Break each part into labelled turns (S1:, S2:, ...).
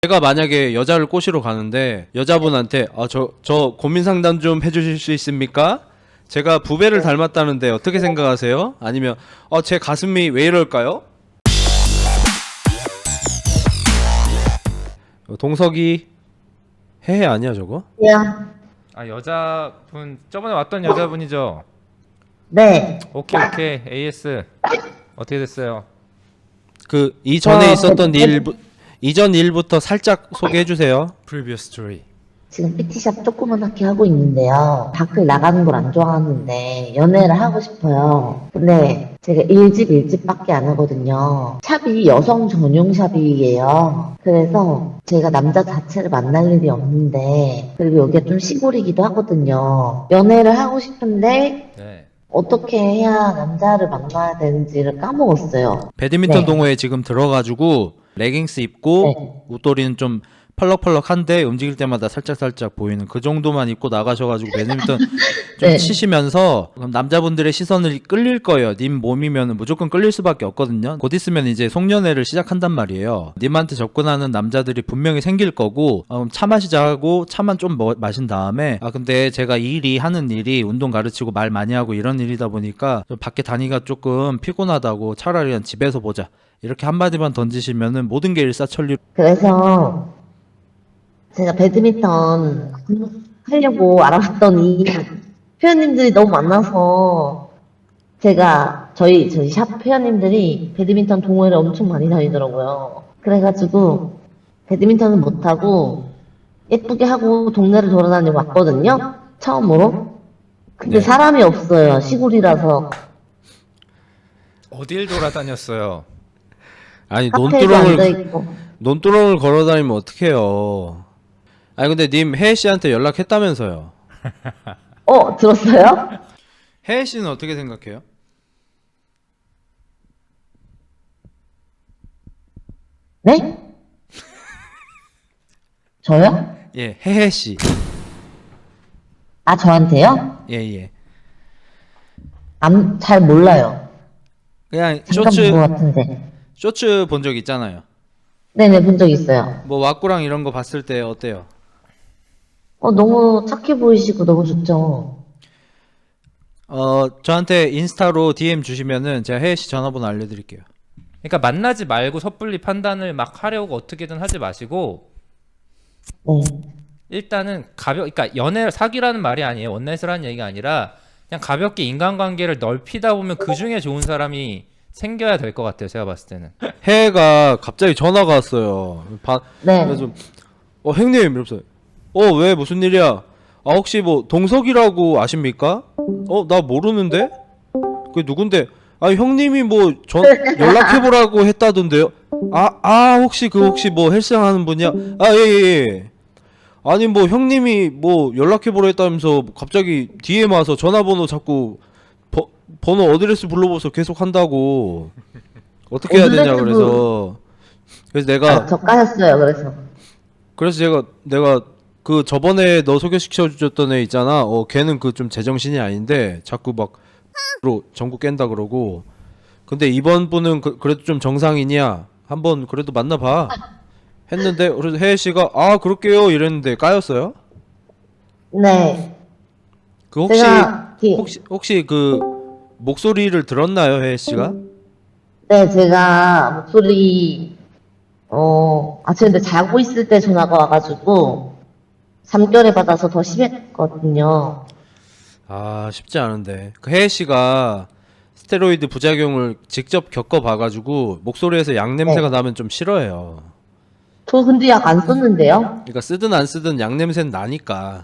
S1: 제가 만약에 여자를 꼬시러 가는데 여자분한테 저 고민 상담 좀 해주실 수 있습니까? 제가 부배를 닮았다는데 어떻게 생각하세요? 아니면 제 가슴이 왜 이럴까요? 동석이 해해 아니야 저거?
S2: 야,
S3: 아 여자분 저번에 왔던 여자분이죠?
S2: 네.
S3: 오케이 AS 어떻게 됐어요?
S1: 그 이전에 있었던
S2: 네.
S1: 이전 일부터 살짝 소개해 주세요.
S3: Previous story.
S2: 지금 PT샵 조그만하게 하고 있는데요. 밖을 나가는 걸 안 좋아하는데 연애를 하고 싶어요. 근데 제가 일집밖에 안 하거든요. 샵이 여성 전용 샵이에요. 그래서 제가 남자 자체를 만날 일이 없는데, 그리고 여기가 좀 시골이기도 하거든요. 연애를 하고 싶은데
S3: 네.
S2: 어떻게 해야 남자를 만나야 되는지를 까먹었어요.
S1: 배드민턴
S2: 네.
S1: 동호회 지금 들어가지고 레깅스 입고
S2: 네.
S1: 웃도리는 좀 펄럭펄럭한데 움직일 때마다 살짝 보이는 그 정도만 입고 나가셔가지고 배드민턴 좀
S2: 네.
S1: 치시면서 그럼 남자분들의 시선을 끌릴 거예요. 님 몸이면 무조건 끌릴 수밖에 없거든요. 곧 있으면 이제 송년회를 시작한단 말이에요. 님한테 접근하는 남자들이 분명히 생길 거고 그럼 차 마시자 하고 차만 좀 마신 다음에 근데 제가 하는 일이 운동 가르치고 말 많이 하고 이런 일이다 보니까 좀 밖에 다니기가 조금 피곤하다고 차라리 그냥 집에서 보자 이렇게 한마디만 던지시면은 모든 게 일사천리.
S2: 그래서 제가 배드민턴 하려고 알아봤더니 회원님들이 너무 많아서 제가 저희 샵 회원님들이 배드민턴 동호회를 엄청 많이 다니더라고요. 그래가지고 배드민턴은 못하고 예쁘게 하고 동네를 돌아다니고 왔거든요. 처음으로. 근데
S1: 네.
S2: 사람이 없어요. 시골이라서.
S3: 어딜 돌아다녔어요?
S1: 아니
S2: 카페에도 앉아있고.
S1: 논두렁을 걸어다니면 어떡해요. 아니 근데 님 혜혜 씨한테 연락했다면서요.
S2: 들었어요?
S1: 혜혜 씨는 어떻게 생각해요?
S2: 네? 저요?
S1: 예, 혜혜 씨.
S2: 아, 저한테요?
S1: 예.
S2: 잘 몰라요.
S1: 그냥
S2: 잠깐 본 것 같은데.
S1: 쇼츠 본 적 있잖아요.
S2: 네네, 본 적 있어요.
S1: 뭐 왁구랑 이런 거 봤을 때 어때요?
S2: 너무 착해 보이시고 너무 좋죠.
S1: 저한테 인스타로 DM 주시면은 제가 혜혜 씨 전화번호 알려드릴게요.
S3: 그러니까 만나지 말고 섣불리 판단을 막 하려고 어떻게든 하지 마시고
S2: 네.
S3: 일단은 그러니까 연애 사귀라는 말이 아니에요. 원나잇이라는 얘기가 아니라 그냥 가볍게 인간관계를 넓히다 보면 그 중에 좋은 사람이 생겨야 될 것 같아요. 제가 봤을 때는.
S1: 혜혜가 갑자기 전화가 왔어요.
S2: 네.
S1: 그래서 형님 이러면서 왜 무슨 일이야? 혹시 뭐 동석이라고 아십니까? 나 모르는데? 그게 누군데? 형님이 뭐 연락해보라고 했다던데요? 혹시 뭐 헬스장 하는 분이야? 예. 아니 뭐 형님이 뭐 연락해보라 했다면서 갑자기 DM 와서 전화번호 자꾸 번호 어드레스 불러보서 계속 한다고. 어떻게 해야 되냐 그래서 내가
S2: 저 까였어요, 그래서.
S1: 그래서 내가 그 저번에 너 소개시켜 주셨던 애 있잖아. 걔는 그 좀 제정신이 아닌데 자꾸 막 전국 깬다 그러고. 근데 이번 분은 그래도 좀 정상이냐? 한번 그래도 만나봐. 했는데 그래서 혜혜 씨가 그럴게요 이랬는데 까였어요?
S2: 네.
S1: 그
S2: 제가,
S1: 혹시 그 목소리를 들었나요, 혜혜 씨가?
S2: 네, 제가 목소리, 제가 근데 자고 있을 때 전화가 와가지고, 잠결에 받아서 더 심했거든요.
S1: 쉽지 않은데. 그 혜혜 씨가 스테로이드 부작용을 직접 겪어봐가지고 목소리에서 양 냄새가
S2: 네.
S1: 나면 좀 싫어해요.
S2: 저 근데 약 안 썼는데요?
S1: 그러니까 쓰든 안 쓰든 양 냄새는 나니까.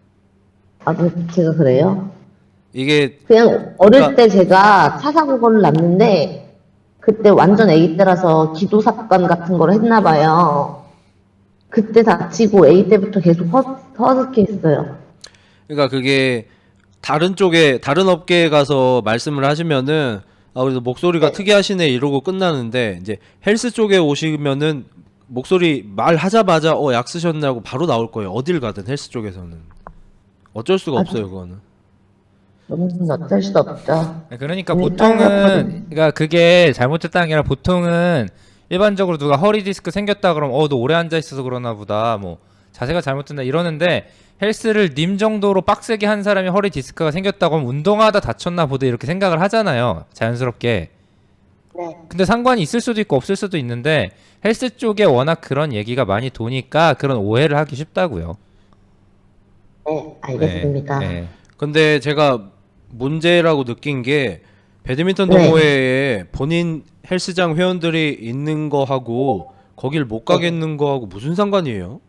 S2: 제가 그래요?
S1: 이게
S2: 그냥 어릴
S1: 그러니까
S2: 때 제가 차 사고를 났는데, 그때 완전 아기 때라서 기도 삭감 같은 걸 했나 봐요. 그때 다치고 아기 때부터 계속 허스키했어요.
S1: 그러니까 그게 다른 업계에 가서 말씀을 하시면은 그래서 목소리가
S2: 네.
S1: 특이하시네 이러고 끝나는데 이제 헬스 쪽에 오시면은 목소리 말하자마자 약 쓰셨냐고 바로 나올 거예요. 어딜 가든 헬스 쪽에서는 어쩔 수가 없어요, 그거는.
S2: 너무 어쩔 수 없죠.
S3: 그러니까
S2: 이미
S3: 보통은
S2: 까였거든요.
S3: 그러니까 그게 잘못됐다는 게 아니라 보통은 일반적으로 누가 허리 디스크 생겼다 그러면 너 오래 앉아 있어서 그러나 보다 뭐 자세가 잘못된다 이러는데 헬스를 님 정도로 빡세게 한 사람이 허리 디스크가 생겼다고 하면 운동하다 다쳤나 보다 이렇게 생각을 하잖아요. 자연스럽게.
S2: 네.
S3: 근데 상관이 있을 수도 있고 없을 수도 있는데 헬스 쪽에 워낙 그런 얘기가 많이 도니까 그런 오해를 하기 쉽다고요.
S2: 네, 알겠습니다.
S3: 네.
S1: 근데 제가 문제라고 느낀 게 배드민턴
S2: 네.
S1: 동호회에 본인 헬스장 회원들이 있는 거 하고 거길 못 가겠는 거 하고 무슨 상관이에요?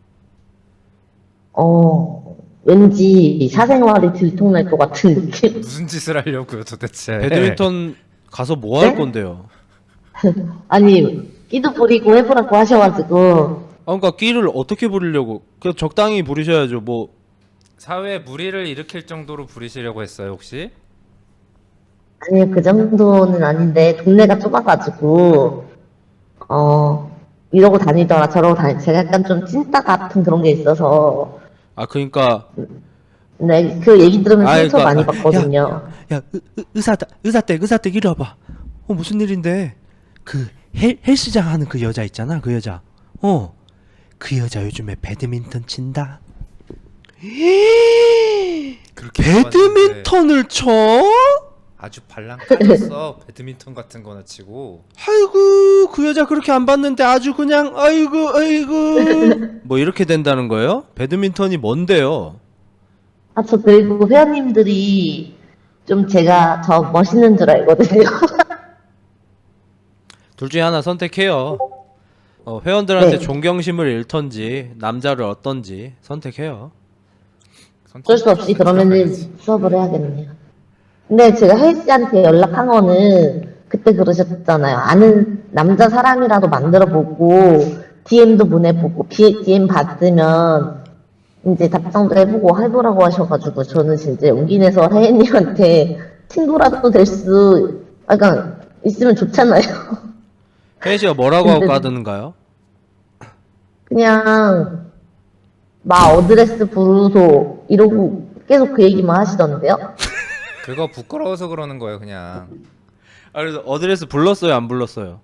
S2: 왠지 사생활이 들통날 것 같은 느낌?
S3: 무슨 짓을 하려고요 도대체.
S1: 배드민턴 가서 뭐 할
S2: 네?
S1: 건데요?
S2: 아니, 끼도 부리고 해보라고 하셔가지고,
S1: 그러니까 끼를 어떻게 부리려고? 그냥 적당히 부리셔야죠. 뭐
S3: 사회에 무리를 일으킬 정도로 부리시려고 했어요 혹시?
S2: 아니, 그 정도는 아닌데, 동네가 좁아가지고, 이러고 다니더라, 저러고 제가 약간 좀 찐따 같은 그런 게 있어서,
S1: 그러니까
S2: 네, 그 얘기 들으면
S1: 아이,
S2: 상처
S1: 그러니까,
S2: 많이 받거든요.
S1: 야 의사댁 이리 와봐. 무슨 일인데? 그 헬스장 하는 그 여자 있잖아. 그 여자. 그 여자 요즘에 배드민턴 친다.
S3: 그렇게
S1: 배드민턴을 쳐?
S3: 아주 발랑까졌어. 배드민턴 같은 거나 치고.
S1: 아이고 그 여자 그렇게 안 봤는데 아주 그냥 아이고 뭐 이렇게 된다는 거예요? 배드민턴이 뭔데요?
S2: 저 그리고 회원님들이 좀 제가 저 멋있는 줄 알거든요.
S1: 둘 중에 하나 선택해요. 회원들한테
S2: 네.
S1: 존경심을 잃던지 남자를 얻던지 선택해요.
S2: 어쩔 수 없이 그러면은 수업을 해야겠네요. 근데 제가 혜씨한테 연락한 거는 그때 그러셨잖아요. 아는 남자 사람이라도 만들어보고 DM도 보내보고 DM 받으면 이제 답장도 해보고 해보라고 하셔가지고 저는 진짜 용기 내서 혜인님한테 친구라도 될 수, 약간 있으면 좋잖아요.
S1: 혜혜 씨가 뭐라고 하고
S2: 근데-
S1: 까드는가요?
S2: 그냥 마 어드레스 부르소 이러고 계속 그 얘기만 하시던데요.
S3: 그거 부끄러워서 그러는 거예요 그냥.
S1: 그래서 어드레스 불렀어요 안 불렀어요?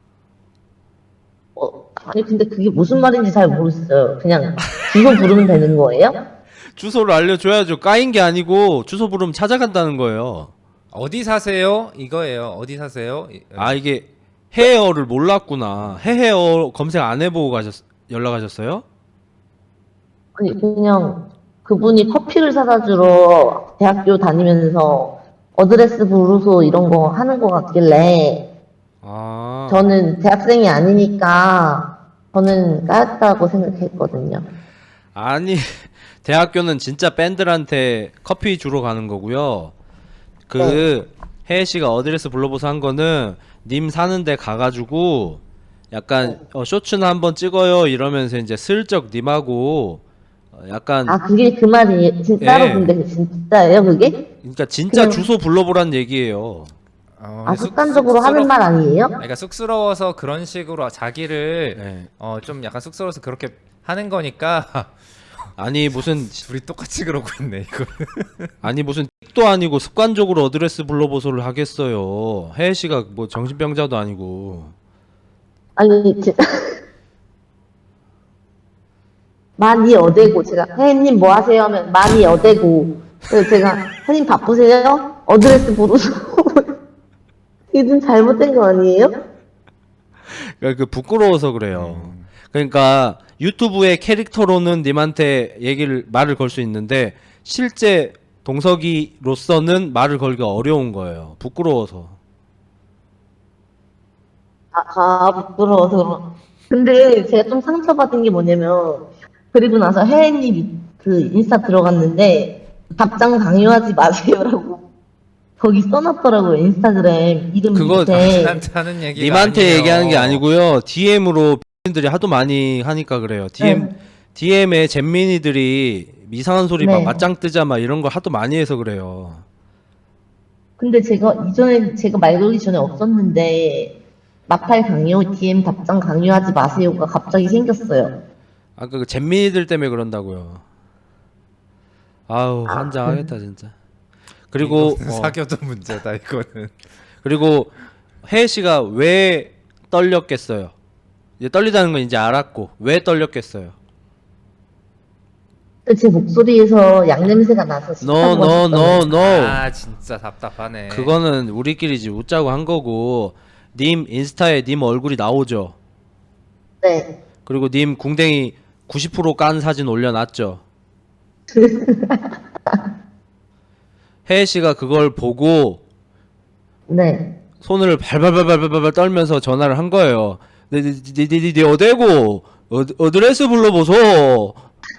S2: 아니 근데 그게 무슨 말인지 잘 모르겠어요. 그냥 주소 부르면 되는 거예요?
S1: 주소를 알려줘야죠. 까인 게 아니고 주소 부르면 찾아간다는 거예요.
S3: 어디 사세요? 이거예요. 어디 사세요?
S1: 이게 헤어를 몰랐구나. 헤어 검색 안 해보고 연락하셨어요?
S2: 아니 그냥 그분이 커피를 사다 주러 대학교 다니면서 어드레스 부르소 이런 거 하는 거 같길래 저는 대학생이 아니니까 저는 까였다고 생각했거든요.
S1: 아니 대학교는 진짜 밴들한테 커피 주러 가는 거고요. 혜혜 씨가 어드레스 불러보서 한 거는 님 사는 데 가가지고 약간 쇼츠나 한번 찍어요 이러면서 이제 슬쩍 님하고 약간
S2: 그게 그 말이 진짜로
S1: 예.
S2: 근데 진짜예요 그게?
S1: 그러니까 진짜
S2: 그냥-
S1: 주소 불러보란 얘기예요.
S2: 습관적으로 하는 말 아니에요?
S3: 그러니까 쑥스러워서 그런 식으로 자기를
S1: 네.
S3: 좀 약간 쑥스러워서 그렇게 하는 거니까
S1: 아니 무슨
S3: 둘이 똑같이 그러고 있네 이거.
S1: 아니 무슨 틱도 아니고 습관적으로 어드레스 불러보소를 하겠어요. 혜혜 씨가 뭐 정신병자도 아니고.
S2: 아니 진짜 많이 어대고 제가 혜님 뭐 하세요 하면 많이 어대고 그래서 제가 혜님 바쁘세요? 어드레스 부르소 이게 좀 잘못된 거 아니에요?
S1: 그러니까 그 부끄러워서 그래요. 그러니까 유튜브의 캐릭터로는 님한테 말을 걸 수 있는데 실제 동석이로서는 말을 걸기가 어려운 거예요. 부끄러워서.
S2: 부끄러워서 그런. 근데 제가 좀 상처받은 게 뭐냐면 그리고 나서 혜님 그 인스타 들어갔는데 답장 강요하지 마세요라고 거기 써놨더라고요. 인스타그램 이름
S1: 그거
S2: 밑에.
S3: 남한테 하는 얘기가
S1: 님한테
S3: 아니에요.
S1: 얘기하는 게 아니고요. DM으로 팬들이 하도 많이 하니까 그래요. DM에 잼민이들이 이상한 소리 막
S2: 네.
S1: 맞짱 뜨자 막 이런 거 하도 많이 해서 그래요.
S2: 근데 제가 이전에 제가 말 걸기 전에 없었는데 마팔 강요, DM 답장 강요하지 마세요가 갑자기 생겼어요.
S1: 그 잼민이들 때문에 그런다고요. 아우 환장하겠다 진짜. 그리고
S3: 이거는 사교도 문제다 이거는.
S1: 그리고 혜혜 씨가 왜 떨렸겠어요? 이제 떨리다는 건 이제 알았고 왜 떨렸겠어요?
S2: 제 목소리에서 약 냄새가 나서
S1: No,
S2: 식사가
S1: no, no,
S2: 싶었는데.
S1: no.
S3: 아 진짜 답답하네.
S1: 그거는 우리끼리지 웃자고 한 거고 님 인스타에 님 얼굴이 나오죠.
S2: 네.
S1: 그리고 님 궁뎅이 90%깐 사진 올려놨죠. 혜혜 씨가 그걸 보고
S2: 네.
S1: 손을 발발발발발발 떨면서 전화를 한 거예요. 네 어디고 어드레스 불러보소.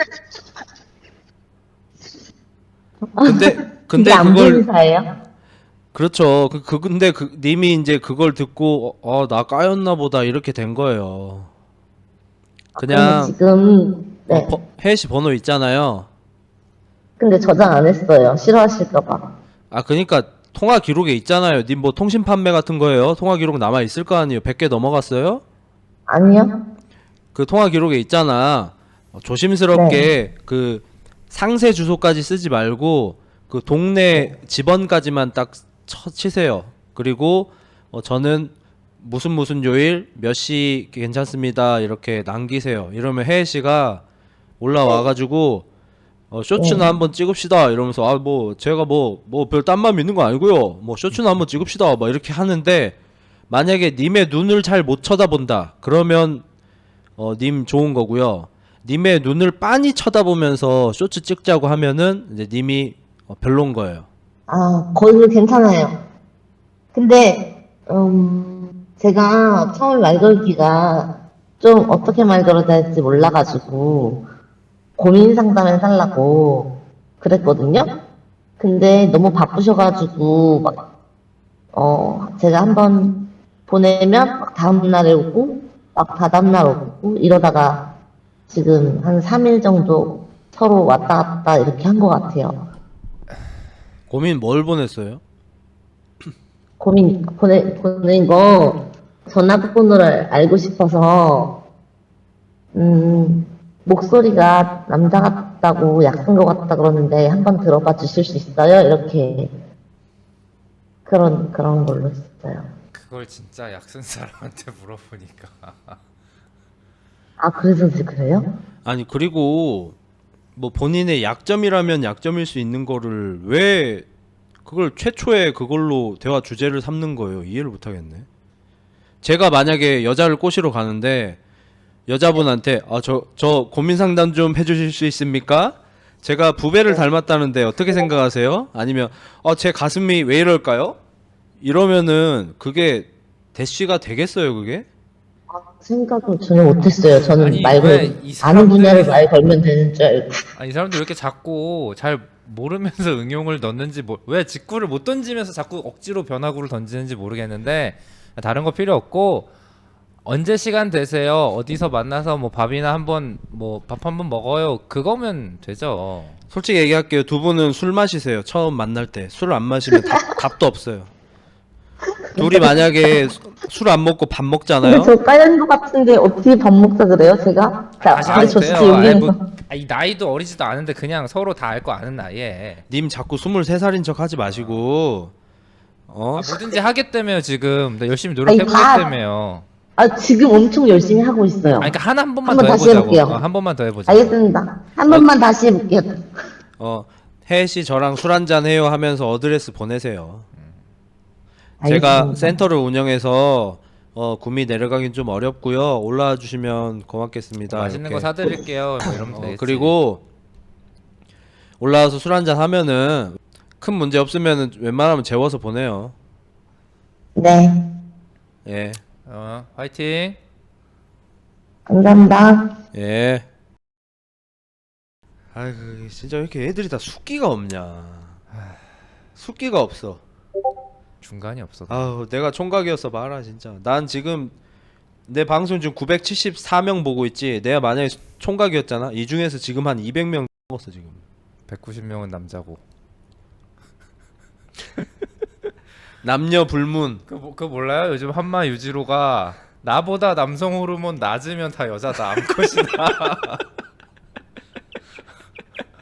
S1: 근데
S2: 이게 안
S1: 그걸
S2: 보이는 사예요?
S1: 그렇죠. 근데 님이 이제 그걸 듣고 나 까였나 보다 이렇게 된 거예요. 그냥
S2: 지금 네.
S1: 혜혜 씨 번호 있잖아요.
S2: 근데 저장 안 했어요. 싫어하실까봐.
S1: 그러니까 통화 기록에 있잖아요. 님 뭐 통신 판매 같은 거예요? 통화 기록 남아 있을 거 아니에요. 100개 넘어갔어요?
S2: 아니요.
S1: 그 통화 기록에 있잖아. 조심스럽게 그 상세 주소까지 쓰지 말고 그 동네 집원까지만 딱 치세요. 그리고 저는 무슨 요일 몇 시 괜찮습니다. 이렇게 남기세요. 이러면 혜혜 씨가 올라와 가지고 쇼츠나 한번 찍읍시다 이러면서 뭐 제가 뭐 별 딴 마음 있는 거 아니고요. 뭐 쇼츠나 한번 찍읍시다. 막 이렇게 하는데 만약에 님의 눈을 잘 못 쳐다본다. 그러면 님 좋은 거고요. 님의 눈을 빤히 쳐다보면서 쇼츠 찍자고 하면은 이제 님이 별론 거예요.
S2: 거기서 괜찮아요. 근데 제가 처음에 말 걸기가 좀 어떻게 말 걸어야 될지 몰라가지고 고민 상담을 하려고 그랬거든요. 근데 너무 바쁘셔가지고 제가 한번 보내면 막 다음날에 오고 막 다다음날 오고 이러다가 지금 한 3일 정도 서로 왔다 갔다 이렇게 한 것 같아요.
S1: 고민 뭘 보냈어요?
S2: 보낸 거 전화번호를 알고 싶어서 목소리가 남자 같다고 약한 것 같다 그러는데 한번 들어봐 주실 수 있어요? 이렇게 그런 걸로 했어요.
S3: 그걸 진짜 약쓴 사람한테 물어보니까.
S2: 그래서 그래요?
S1: 아니 그리고 뭐 본인의 약점이라면 약점일 수 있는 거를 왜 그걸 최초에 그걸로 대화 주제를 삼는 거예요. 이해를 못 하겠네. 제가 만약에 여자를 꼬시러 가는데 여자분한테 저 고민 상담 좀 해주실 수 있습니까? 제가 부배를 닮았다는데 어떻게 생각하세요? 아니면 제 가슴이 왜 이럴까요? 이러면은 그게 대쉬가 되겠어요, 그게?
S2: 생각을 전혀 못했어요. 저는
S3: 아니,
S2: 말
S3: 왜
S2: 걸,
S3: 이
S2: 아는 분야를
S3: 사람들이-
S2: 말 걸면 되는 줄 알고.
S3: 이 사람들 왜 이렇게 자꾸 잘 모르면서 응용을 넣는지 왜 직구를 못 던지면서 자꾸 억지로 변화구를 던지는지 모르겠는데 다른 거 필요 없고 언제 시간 되세요? 어디서 만나서 뭐 밥이나 한번 뭐 밥 한번 먹어요. 그거면 되죠.
S1: 솔직히 얘기할게요. 두 분은 술 마시세요. 처음 만날 때. 술 안 마시면 답도 없어요. 둘이 만약에 술 안 먹고 밥 먹잖아요.
S2: 근데 저 까연 것 같은데 어떻게 밥 먹자 그래요, 제가?
S3: 다시
S2: 근데 저
S3: 하세요.
S2: 진짜 여기는
S3: 이 나이도 어리지도 않은데 그냥 서로 다 알 거 아는 나이에
S1: 님 자꾸 23살인 척 하지 마시고
S3: 뭐든지 하겠다며요 지금. 나 열심히
S2: 아니,
S3: 노력해보겠다며요.
S2: 지금 엄청 열심히 하고 있어요.
S3: 그러니까 한 번만
S2: 한번
S3: 더
S2: 다시
S3: 해보자고.
S2: 해볼게요.
S3: 한 번만 더 해보자.
S2: 알겠습니다. 한 번만 다시 해볼게요.
S1: 혜혜 씨 저랑 술 한잔 해요 하면서 어드레스 보내세요. 제가
S2: 알겠습니다.
S1: 센터를 운영해서 구미 내려가긴 좀 어렵고요. 올라와 주시면 고맙겠습니다.
S3: 맛있는
S1: 이렇게.
S3: 거 사드릴게요. 뭐 이러면 되겠지.
S1: 그리고 올라와서 술 한잔 하면은 큰 문제 없으면은 웬만하면 재워서 보내요.
S2: 네,
S1: 예.
S3: 화이팅.
S2: 감사합니다.
S1: 예. 아이고 진짜 왜 이렇게 애들이 다 숙기가 없냐. 숙기가 없어.
S3: 중간이 없어.
S1: 아우 내가 총각이었어 봐라 진짜. 난 지금 내 방송 지금 974명 보고 있지. 내가 만약에 총각이었잖아. 이 중에서 지금 한 200명 먹었어 지금.
S3: 190명은 남자고.
S1: 남녀 불문.
S3: 그거 몰라요? 요즘 한마 유지로가 나보다 남성 호르몬 낮으면 다 여자다. 암컷이다.